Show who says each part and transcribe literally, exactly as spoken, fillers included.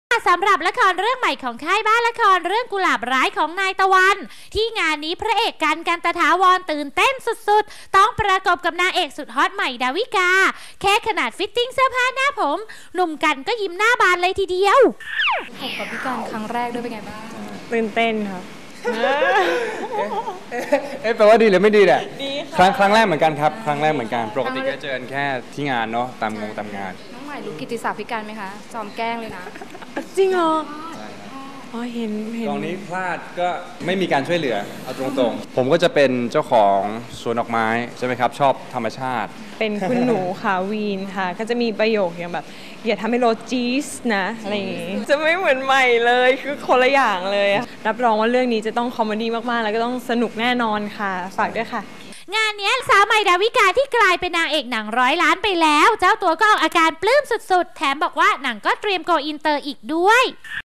Speaker 1: สำหรับละครเรื่องใหม่ของค่ายบ้านละครเรื่องกุหลาบร้ายของนายตะวันที่งานนี้พระเอกกันกันตถาวรตื่นเต้นสุดๆต้องประกบกับนางเอกสุดฮอตใหม่ดาวิกาแค่ขนาดฟิตติ้งเสื้อผ้าหน้าผมหนุ่มกันก็ยิ้มหน้าบานเลยทีเดียว
Speaker 2: ผมกับพี่กันครั้งแรกด้วยเป็นไงบ้าง
Speaker 3: ตื่นเต้นครับ
Speaker 4: เอ๊ะแปลว่าดีหรือไม่ดีแหละครั้งครั้งแรกเหมือนกันครับครั้งแรกเหมือนกันปกติก็เจอกันแค่ที่งานเนาะตามงงตามงาน
Speaker 2: น้องใหม่รู้กิตติศัพท์พี่กันไหมคะจอมแกล้งเลยนะ
Speaker 3: จริงเหรออ๋อเห็นเห็น
Speaker 4: ตรงนี้พลาดก็ไม่มีการช่วยเหลือเอาตรงๆผมก็จะเป็นเจ้าของสวนดอกไม้ใช่ไหมครับชอบธรรมชาติ
Speaker 3: เป็นคุณหนูค่ะวีนค่ะก็จะมีประโยคอย่างแบบอย่าทำให้รถจี๊สนะอะไรอย่างงี้จะไม่เหมือนใหม่เลยคือคนละอย่างเลยรับรองว่าเรื่องนี้จะต้องคอมเมดี้มากๆแล้วก็ต้องสนุกแน่นอนค่ะฝากด้วยค่ะ
Speaker 1: งานนี้สาวใหม่ดาวิกาที่กลายเป็นนางเอกหนังร้อยล้านไปแล้วเจ้าตัวก็ออกอาการปลื้มสุดๆแถมบอกว่าหนังก็เตรียมโกอินเตอร์อีกด้วย